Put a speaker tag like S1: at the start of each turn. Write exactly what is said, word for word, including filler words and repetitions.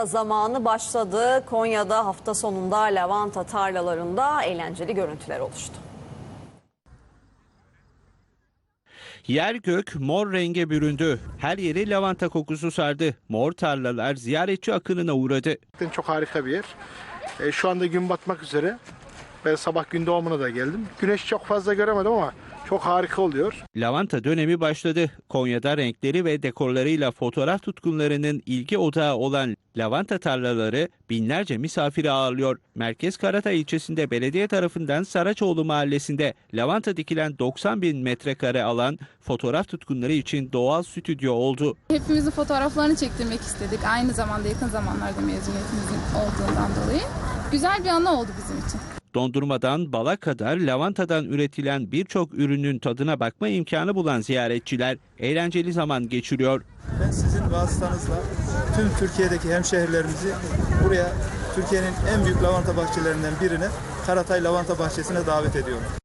S1: Zamanı başladı. Konya'da hafta sonunda lavanta tarlalarında eğlenceli görüntüler oluştu.
S2: Yer gök mor renge büründü. Her yeri lavanta kokusu sardı. Mor tarlalar ziyaretçi akınına uğradı.
S3: Çok harika bir yer. E, şu anda gün batmak üzere. Ben sabah gün doğumuna da geldim. Güneş çok fazla göremedim ama çok harika oluyor.
S2: Lavanta dönemi başladı. Konya'da renkleri ve dekorlarıyla fotoğraf tutkunlarının ilgi odağı olan lavanta tarlaları binlerce misafiri ağırlıyor. Merkez Karatay ilçesinde belediye tarafından Saraçoğlu mahallesinde lavanta dikilen doksan bin metrekare alan fotoğraf tutkunları için doğal stüdyo oldu.
S4: Hepimizin fotoğraflarını çektirmek istedik. Aynı zamanda yakın zamanlarda mezuniyetimizin olduğundan dolayı. Güzel bir anı oldu bizim için.
S2: Dondurmadan bala kadar lavantadan üretilen birçok ürünün tadına bakma imkanı bulan ziyaretçiler eğlenceli zaman geçiriyor.
S5: Ben sizin vasıtanızla tüm Türkiye'deki hemşehrilerimizi buraya, Türkiye'nin en büyük lavanta bahçelerinden birine, Karatay Lavanta Bahçesi'ne davet ediyorum.